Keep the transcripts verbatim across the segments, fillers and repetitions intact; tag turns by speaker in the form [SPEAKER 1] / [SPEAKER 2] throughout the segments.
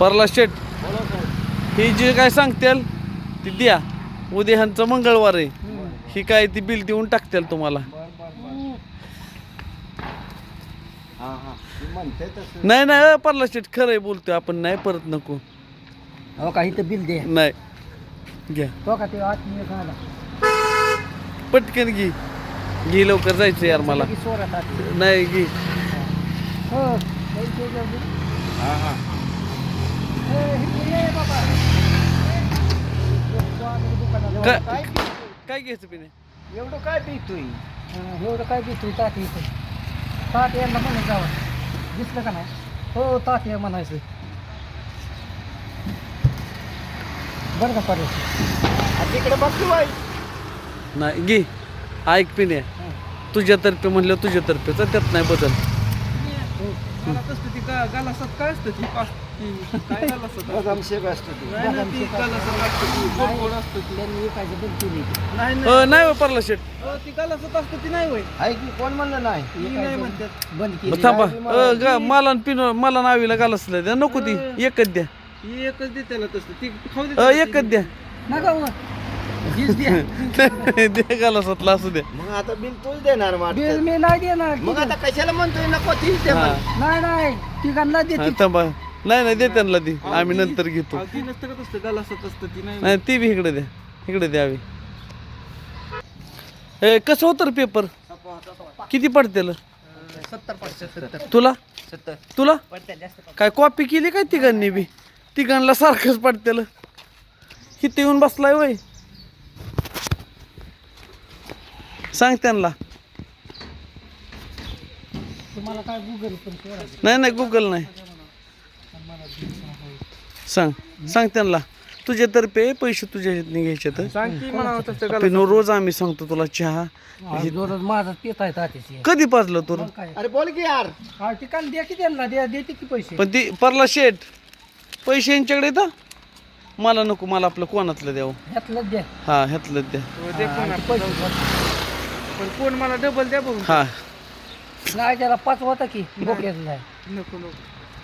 [SPEAKER 1] परला शेट ही जी काय सांगतील ती द्या. उद्या ह्यांचं मंगळवार आहे. ही काय ती बिल देऊन टाकतील तुम्हाला. नाही नाही परला शेट खरंय बोलतोय आपण. नाही परत नको.
[SPEAKER 2] हो काही तर बिल दे.
[SPEAKER 1] नाही घ्या
[SPEAKER 2] तो का ते आत्मीय खायला
[SPEAKER 1] पटकन घे. घे लवकर जायचं यार मला. नाही घे.
[SPEAKER 2] हो
[SPEAKER 1] काय काय घ्यायचं पिणे.
[SPEAKER 2] एवढं काय पितोय. एवढं काय पितोय. ताट येतोय. ताट यायला म्हणून जावं. दिसलं का नाही. हो ताट या म्हणायचं. बरं का पाहिजे तिकडे बघतो बाई.
[SPEAKER 1] नाही घे. ऐक पिणे तुझ्यातर्फे म्हणलं तुझ्यातर्फे त्यात नाही बदल. नाही परला शेट
[SPEAKER 2] कोण म्हणलं नाही.
[SPEAKER 1] थांबा मला पिनो मला नावीला गालसलं द्या. नको ती एकच द्या.
[SPEAKER 3] एकच दे त्याला तसं ती खाऊ दे.
[SPEAKER 1] एकच द्या. द्या गालसातला असू द्या.
[SPEAKER 2] मग आता बिल तूच देणार. बिल मी नाही देणार. मग आता कशाला म्हणतोय नको तीच दे. नाही नाही तिघांना दे.
[SPEAKER 1] थांबा नाही नाही दे त्यांना ती. आम्ही नंतर घेतो.
[SPEAKER 3] ती नसतं का तसं गालासत असतं ती नाही.
[SPEAKER 1] नाही ती बी इकडे द्या. इकडे द्यावी. ए कसं होतं रे पेपर. किती पडतेल
[SPEAKER 2] सत्तर पडते.
[SPEAKER 1] तुला
[SPEAKER 2] सत्तर
[SPEAKER 1] तुला
[SPEAKER 2] पडते जास्त.
[SPEAKER 1] काय कॉपी केली काय तिघांनी बी. तिघांना सारखंच पडतेल. किती येऊन बसलाय वय सांग त्यांना.
[SPEAKER 2] तुम्हाला काय गुगल पण
[SPEAKER 1] नाही नाही गुगल नाही. सांग सांग त्यांना तुझ्यातर्फे पैसे तुझ्या ह्यातनं घ्यायचे तर
[SPEAKER 3] सांग की म्हणावं तसं
[SPEAKER 1] पिनो रोज आम्ही सांगतो तुला चहा.
[SPEAKER 2] माझा पित आहे तात्याची.
[SPEAKER 1] कधी पाजलं तू.
[SPEAKER 2] अरे बोल की यार. हा ठिकाण द्या की त्यांना द्या. देते की पैसे.
[SPEAKER 1] पण ती परला शेट पैसे यांच्याकडे येतं. मला नको. मला आपलं कोणातलं द्यावं.
[SPEAKER 2] ह्यातलं द्या.
[SPEAKER 1] हा ह्यातलं द्या.
[SPEAKER 3] दे कोण पण कोण मला डबल द्या बघू.
[SPEAKER 1] हा
[SPEAKER 2] नाही त्याला पाच होता की बोक्यात नाही.
[SPEAKER 3] नको नको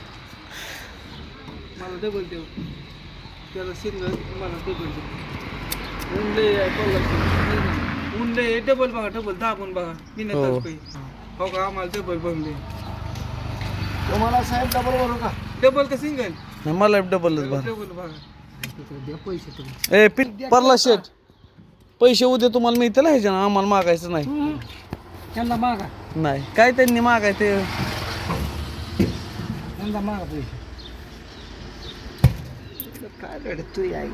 [SPEAKER 3] मला डबल देऊ. त्याला सिंगल मला डबल देऊ. उंडे पडला उंडे डबल बघा. डबल दाबून बघा. बिना
[SPEAKER 1] हो.
[SPEAKER 3] तास काही हो का आम्हाला डबल बनले.
[SPEAKER 2] तुम्हाला साहेब डबल भरू का.
[SPEAKER 3] डबल का सिंगल.
[SPEAKER 1] नाही, मला डबलच भर.
[SPEAKER 3] डबल बघा.
[SPEAKER 2] द्या पैसे तुम्ही.
[SPEAKER 1] ए पिन परला शेट पैसे उद्या तुम्हाला मिळतील ह्याच्या आम्हाला मागायचं नाही.
[SPEAKER 2] त्यांना मागा.
[SPEAKER 1] नाही काय त्यांनी मागाय ते
[SPEAKER 2] त्यांना मागा पैसे. काय रडत तू आई.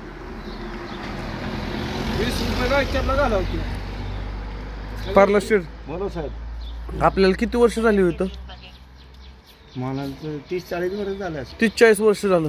[SPEAKER 3] वीस रुपये गायच्याला घालाव की.
[SPEAKER 1] परला शेट
[SPEAKER 2] बोलो साहेब.
[SPEAKER 1] आपल्याला किती वर्ष झाली होतं.
[SPEAKER 2] मला तीस चाळीस वर्ष झालं.
[SPEAKER 1] तीस चाळीस वर्ष झालं.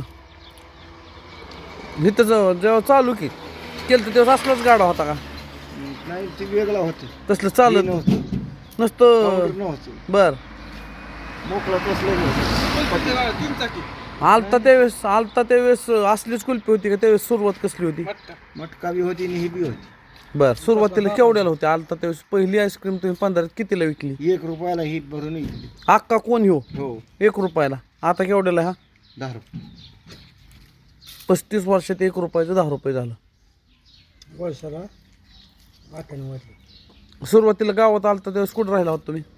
[SPEAKER 1] इथं जेव्हा जेव्हा चालू की केलं तेव्हा असलाच गाडा होता का.
[SPEAKER 2] नाही ते वेगळा होतं.
[SPEAKER 1] तसलं चालत
[SPEAKER 2] नव्हतं.
[SPEAKER 1] नसतं.
[SPEAKER 2] नव्हतं
[SPEAKER 1] बर
[SPEAKER 2] मोकळं तसलं नव्हतं.
[SPEAKER 3] तीन चाकी
[SPEAKER 1] आलता त्यावेळेस आलता त्यावेळेस असलीच कुल्फी होती का त्यावेळेस सुरुवात कसली होती.
[SPEAKER 3] मटका.
[SPEAKER 2] मटका बी होती आणि ही बी होती.
[SPEAKER 1] बर सुरुवातीला केवढ्याला होती. आलता त्यावेळेस पहिली आईस्क्रीम तुम्ही पंधरात कितीला विकली.
[SPEAKER 2] एक रुपयाला हिट भरून येईल.
[SPEAKER 1] अक्का कोण ह्यो.
[SPEAKER 2] हो
[SPEAKER 1] एक रुपयाला. आता केवढ्याला हा.
[SPEAKER 2] दहा रुपये.
[SPEAKER 1] पस्तीस वर्षात एक रुपयाचं दहा रुपये झालं.
[SPEAKER 2] वर्षाला अठ्ठ्याण्णव वाटले.
[SPEAKER 1] सुरुवातीला गावात आलता त्यावेळेस कुठं राहिला होता तुम्ही.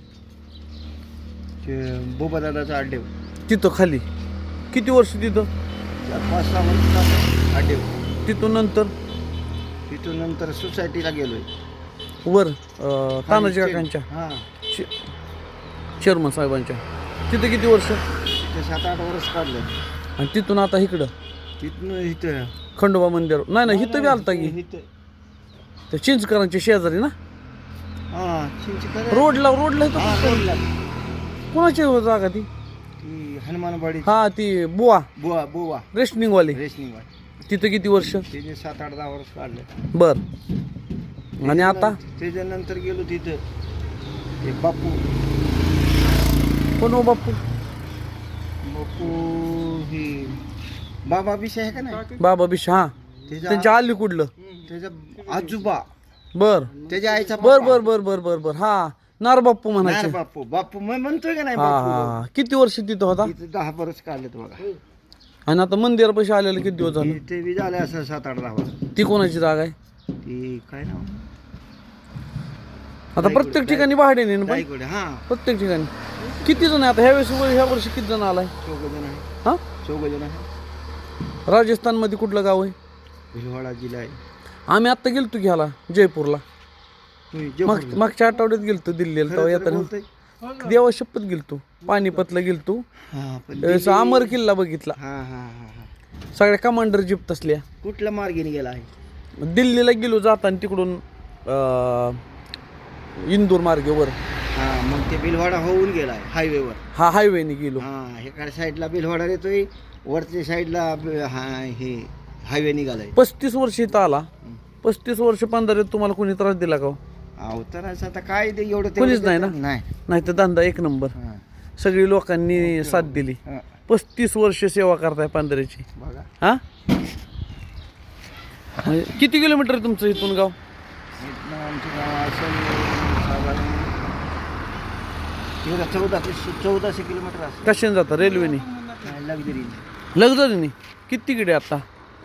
[SPEAKER 2] ते बोबा दादाचा अड्डे.
[SPEAKER 1] तिथं खाली किती वर्ष तिथं.
[SPEAKER 2] चार पाच सहा वर्ष अड्डे.
[SPEAKER 1] तिथून नंतर
[SPEAKER 2] तिथून नंतर सोसायटीला गेलोय.
[SPEAKER 1] वर अं, तानाजी काकांच्या
[SPEAKER 2] हां
[SPEAKER 1] चेअरमन साहेबांच्या तिथं किती वर्ष.
[SPEAKER 2] तिथे सात आठ वर्ष काढलं.
[SPEAKER 1] आणि तिथून आता इकडं
[SPEAKER 2] तिथनं इथं
[SPEAKER 1] खंडोबा मंदिर. नाही नाही इथं बी आलता की
[SPEAKER 2] इथं
[SPEAKER 1] त्या चिंचकरांच्या शेजारी ना.
[SPEAKER 2] हां चिंचकर
[SPEAKER 1] रोडला रोडला इथं
[SPEAKER 2] हां रोडला.
[SPEAKER 1] कोणाची जागा ती.
[SPEAKER 2] ती हनुमानवाडी.
[SPEAKER 1] हा ती बुवा
[SPEAKER 2] बुवा बुवा
[SPEAKER 1] रेशनिंगवाली.
[SPEAKER 2] रेशनिंगवाडी.
[SPEAKER 1] तिथं किती वर्ष.
[SPEAKER 2] तिने सात आठ दहा वर्ष काढले.
[SPEAKER 1] बर. आणि आता
[SPEAKER 2] त्याच्यानंतर गेलो तिथं ते बापू.
[SPEAKER 1] कोण हो बापू.
[SPEAKER 2] बापू ही बाबा विषय आहे का नाही.
[SPEAKER 1] बाबा बिश हा
[SPEAKER 2] त्याच्या
[SPEAKER 1] त्यांच्या आली कुठलं.
[SPEAKER 2] त्याचा आजोबा.
[SPEAKER 1] बर
[SPEAKER 2] त्याच्या आईचा
[SPEAKER 1] बर बर बर बर बर बर हा नार बाप्पू
[SPEAKER 2] नाही
[SPEAKER 1] म्हणायचे.
[SPEAKER 2] बापू बापू मी म्हणतोय का नाही
[SPEAKER 1] हा
[SPEAKER 2] बापू.
[SPEAKER 1] हा किती वर्ष तिथं होता.
[SPEAKER 2] तिथं दहा वर्ष काढलेत बघा.
[SPEAKER 1] आणि आता मंदिरापाशी आलेलं किती दिवस झालं?
[SPEAKER 2] ते बी झालं असं सात आठ दहा वर्ष.
[SPEAKER 1] ती कोणाची जागा आहे?
[SPEAKER 2] ती काय नाव
[SPEAKER 1] आता प्रत्येक ठिकाणी भाड्याने ना पण?
[SPEAKER 2] रायगड. हा
[SPEAKER 1] प्रत्येक ठिकाणी किती जण आहे आता ह्या वेळेस ह्या वर्षी किती जण आलाय?
[SPEAKER 2] चौघ जण आहे.
[SPEAKER 1] हा
[SPEAKER 2] चौघ जण आहे.
[SPEAKER 1] राजस्थान मध्ये कुठलं गाव आहे?
[SPEAKER 2] भिलवाडा जिल्हा आहे.
[SPEAKER 1] आम्ही आता गेलतो घ्यायला जयपूरला.
[SPEAKER 2] तुम्ही
[SPEAKER 1] माग
[SPEAKER 2] जयपूरला.
[SPEAKER 1] मागच्या आठवड्यात गेलतो दिल्लीला. तेव्हा
[SPEAKER 2] खरं तर
[SPEAKER 1] येताना
[SPEAKER 2] बोलतोय.
[SPEAKER 1] देवा शपथ गेलतो. पानिपतला गेलतो.
[SPEAKER 2] हा पण
[SPEAKER 1] त्यावेळेस
[SPEAKER 2] दिल्ली-
[SPEAKER 1] अमर किल्ला बघितला.
[SPEAKER 2] हा हा हा हा
[SPEAKER 1] सगळ्या कमांडर जिप्त असल्या.
[SPEAKER 2] कुठल्या मार्गेने गेला आहे?
[SPEAKER 1] दिल्लीला गेलो जाताना तिकडून अं, इंदूर मार्गेवर
[SPEAKER 2] हा मग ते बिलवाडा होऊन गेला आहे हायवेवर.
[SPEAKER 1] हा हायवेने गेलो.
[SPEAKER 2] हा इकडे साईडला बिलवाडा येतोय, वरच्या साईडला ब- हा हे हायवे निघालाय.
[SPEAKER 1] पस्तीस वर्ष इथं आला. पस्तीस वर्ष पंधरा तुम्हाला कोणी त्रास दिला का हो?
[SPEAKER 2] अवताराचं आता काय ते एवढं
[SPEAKER 1] कोणीच
[SPEAKER 2] तेवढं
[SPEAKER 1] नाही ना?
[SPEAKER 2] देतात. नाही.
[SPEAKER 1] नाही तर धंदा एक नंबर.
[SPEAKER 2] हा.
[SPEAKER 1] सगळी लोकांनी साथ दिली.
[SPEAKER 2] हा.
[SPEAKER 1] पस्तीस वर्ष सेवा करताय पंधराची.
[SPEAKER 2] बघा
[SPEAKER 1] हा म्हणजे किती किलोमीटर आहे तुमचं इथून गाव?
[SPEAKER 2] इथनं आमचं गाव असेल साधारण एवढं चौदाशे चौदाशे किलोमीटर असेल.
[SPEAKER 1] कशाने जाता? रेल्वेने?
[SPEAKER 2] लक्झरी
[SPEAKER 1] लक्झरीने? किती तिकडे आता?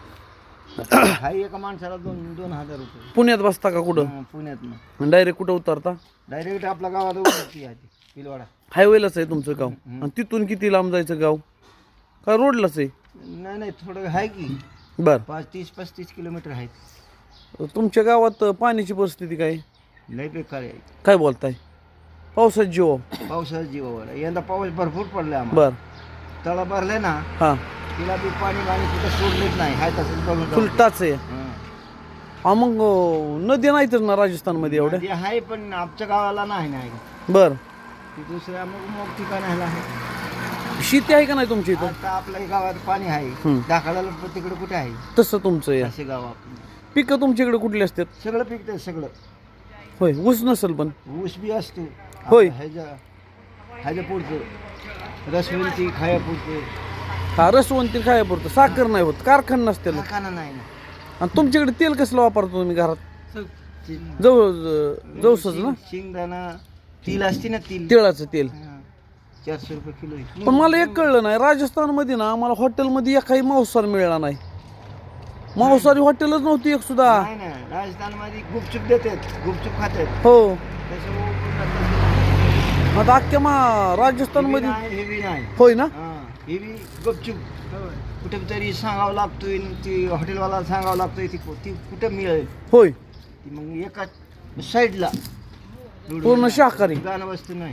[SPEAKER 2] हा एका माणसाला दोन दोन हजार रुपये.
[SPEAKER 1] पुण्यात बसता का कुठं?
[SPEAKER 2] हा, पुण्यातनं
[SPEAKER 1] डायरेक्ट कुठं उतरता?
[SPEAKER 2] डायरेक्ट आपल्या गावात उतरती आहे ती, बिलवाडा.
[SPEAKER 1] हायवेलाच आहे तुमचं गाव. आणि तिथून किती लांब जायचं गाव? का रोडलाच आहे?
[SPEAKER 2] नाही नाही थोडं आहे की
[SPEAKER 1] बर.
[SPEAKER 2] पाच तीस पस्तीस किलोमीटर आहे.
[SPEAKER 1] तुमच्या गावात पाण्याची परिस्थिती काय?
[SPEAKER 2] लय बेकार आहे.
[SPEAKER 1] काय बोलताय? पावसात जीव.
[SPEAKER 2] पावसाचा जीवावर आहे. यंदा पाऊस भरपूर पडलाय आम्हाला.
[SPEAKER 1] बर.
[SPEAKER 2] तळा भरले ना
[SPEAKER 1] हा
[SPEAKER 2] तिला बी पाणी पाणी कुठं सोडलेच नाही. हाय तसंच बघून जाऊ.
[SPEAKER 1] फुलटाच आहे.
[SPEAKER 2] हं.
[SPEAKER 1] हा मग अं, नदी नाही तर ना राजस्थानमध्ये एवढ्या?
[SPEAKER 2] नदी आहे पण आमच्या गावाला नाही नाही
[SPEAKER 1] बर.
[SPEAKER 2] ती दुसऱ्या मग मग ठिकाणाला आहे.
[SPEAKER 1] शेती आहे का नाही तुमच्या इथं?
[SPEAKER 2] आता आपल्या गावात पाणी आहे.
[SPEAKER 1] हं.
[SPEAKER 2] दाखलाला तिकडे कुठे आहे
[SPEAKER 1] तसं तुमचं आहे.
[SPEAKER 2] असे गाव आपलं.
[SPEAKER 1] पिकं तुमच्याकडे कुठली असतात?
[SPEAKER 2] सगळं पिकतं सगळं.
[SPEAKER 1] होय. ऊस नसेल पण?
[SPEAKER 2] ऊस बी असतो.
[SPEAKER 1] होय.
[SPEAKER 2] ह्याच्या ह्याच्या पुढचं रसवंती खायापुरतं.
[SPEAKER 1] हा रसवंती खाया पुरतं. साखर नाही होत. कारखाना नसते.
[SPEAKER 2] कारखाना नाही ना.
[SPEAKER 1] आणि तुमच्याकडे तेल कसलं वापरतो तुम्ही घरात?
[SPEAKER 2] ती-
[SPEAKER 1] जवळ जवसच ना?
[SPEAKER 2] शेंगदाणा तिल असते ना तिल.
[SPEAKER 1] तिळाचं तेल.
[SPEAKER 2] हा. चारशे रुपये किलो आहे.
[SPEAKER 1] पण मला एक कळलं नाही, राजस्थानमध्ये ना आम्हाला हॉटेलमध्ये एकही मांसाहार मिळाला नाही. मांसाहारी हॉटेलच नव्हती एक सुद्धा.
[SPEAKER 2] नाही ना राजस्थानमध्ये गुपचूप देतात, गुपचूप खातात.
[SPEAKER 1] हो.
[SPEAKER 2] त्याच्यामुळे पुन्हा
[SPEAKER 1] आता अख्ख्या मा
[SPEAKER 2] हे बी
[SPEAKER 1] राजस्थानमध्ये
[SPEAKER 2] नाही, हे बी नाही.
[SPEAKER 1] होय ना?
[SPEAKER 2] हा, हे बी गुपचूप कुठे तरी सांगावं लागतोय आणि ती हॉटेलवाला सांगावं लागतोय ती ती कुठं मिळेल
[SPEAKER 1] होय.
[SPEAKER 2] ती मग एका साईडला
[SPEAKER 1] पूर्ण शाकाहारी.
[SPEAKER 2] गाणं वस्तू नाही.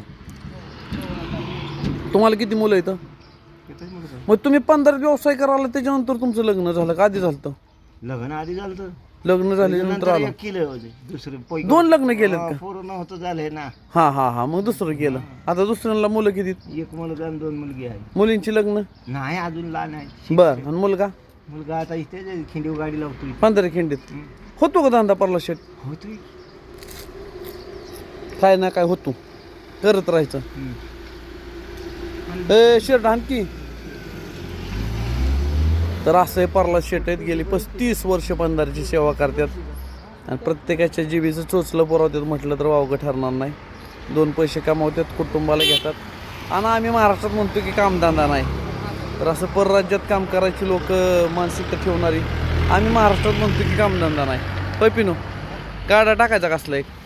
[SPEAKER 1] तुम्हाला किती मुलं येतं?
[SPEAKER 2] येतच म्हणत होतो.
[SPEAKER 1] मग तुम्ही पंधरा व्यवसाय करायला त्याच्यानंतर तुमचं लग्न झालं का आधी झालं?
[SPEAKER 2] लग्न आधी झालं तर
[SPEAKER 1] लग्न झाल्यानंतर
[SPEAKER 2] नंतर
[SPEAKER 1] आलं?
[SPEAKER 2] एक केलं होते दुसरं पै-
[SPEAKER 1] दोन लग्न केलेत
[SPEAKER 2] हा,
[SPEAKER 1] का?
[SPEAKER 2] पोरं नव्हतं झालंय ना.
[SPEAKER 1] हा हा हा मग दुसरं केलं. आता दुसऱ्यांना मुलं किती?
[SPEAKER 2] एक मुलगा आणि दोन मुलगी आहे.
[SPEAKER 1] मुलींची लग्न?
[SPEAKER 2] नाही अजून लहान आहे.
[SPEAKER 1] बर. आणि मुलगा?
[SPEAKER 2] मुलगा आता इथे खिंडीव गाडी लावतोय.
[SPEAKER 1] पंधरा खिंडीत. होतो का धंदा परला शेट?
[SPEAKER 2] होतोय.
[SPEAKER 1] काय ना काय होतो, करत राहायचं.
[SPEAKER 2] हम्म.
[SPEAKER 1] ए शेट आणखी तर असं आहे. परला शेट आहेत, गेली पस्तीस वर्ष पंधराची सेवा करतात आणि प्रत्येकाच्या जीवीचं चोचलं पुरवतात म्हटलं तर वावगं ठरणार नाही. दोन पैसे कमावतात, कुटुंबाला घेतात. आणि आम्ही महाराष्ट्रात म्हणतो की कामधंदा नाही, तर असं परराज्यात काम करायची लोक मानसिकता ठेवणारी. आम्ही महाराष्ट्रात म्हणतो की कामधंदा नाही. पैपिनो गाडा टाकायचा कसला एक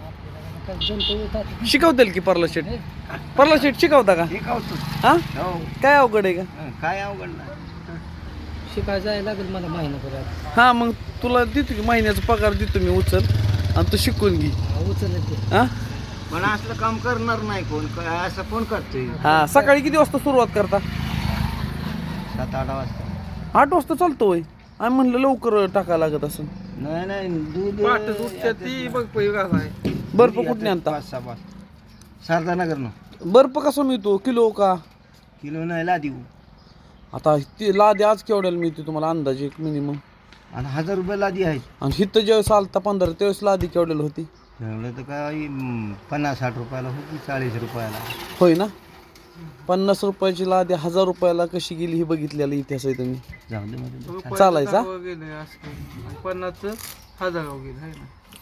[SPEAKER 1] शिकवतील की परला शेट? परला शेट शिकवता का?
[SPEAKER 2] शिकवतो.
[SPEAKER 1] हा
[SPEAKER 2] हो.
[SPEAKER 1] काय अवघड आहे का?
[SPEAKER 2] हं, काय अवघड नाही. शिकायला जायला लागेल मला महिनाभरात.
[SPEAKER 1] हा मग तुला देतो की महिन्याचा पगार देतो मी, उचल आणि तू शिकून घे.
[SPEAKER 2] उचलत
[SPEAKER 1] हा
[SPEAKER 2] पण असलं काम करणार नाही कोण. काय असं कोण करतोय?
[SPEAKER 1] हा सकाळी किती वाजता सुरुवात करता?
[SPEAKER 2] सात आठ वाजता.
[SPEAKER 1] आठ वाजता चालतो होय. आम्ही म्हणलं लवकर टाकायला लागत असं.
[SPEAKER 2] नाही नाही दूध
[SPEAKER 3] पाट दुधच्या ती बघ पै कसा आहे.
[SPEAKER 1] बर्फ कुठे आणता?
[SPEAKER 2] पाच सहा पाच शारदानगर न
[SPEAKER 1] बर्फ कसा मिळतो? किलो का?
[SPEAKER 2] किलो नाही ला देऊ.
[SPEAKER 1] आता ती लादी आज केवढ्याला मिळते तुम्हाला अंदाजे एक मिनिमम?
[SPEAKER 2] आणि हजार रुपये लादी आहे.
[SPEAKER 1] आणि हिथं ज्यावेळेस आलता पंधरा त्यावेळेस लादी केवढ्याला होती?
[SPEAKER 2] एवढं तर काय हम्म, पन्नास साठ रुपयाला होती, चाळीस रुपयाला.
[SPEAKER 1] होय ना? पन्नास रुपयाची लादी हजार रुपयाला कशी गेली हे बघितलेलं इतिहास आहे तुम्ही.
[SPEAKER 2] जाऊ दे मध्ये.
[SPEAKER 1] चालायचा?
[SPEAKER 3] गेले असं पन्नासचं हजार गेलं आहे ना.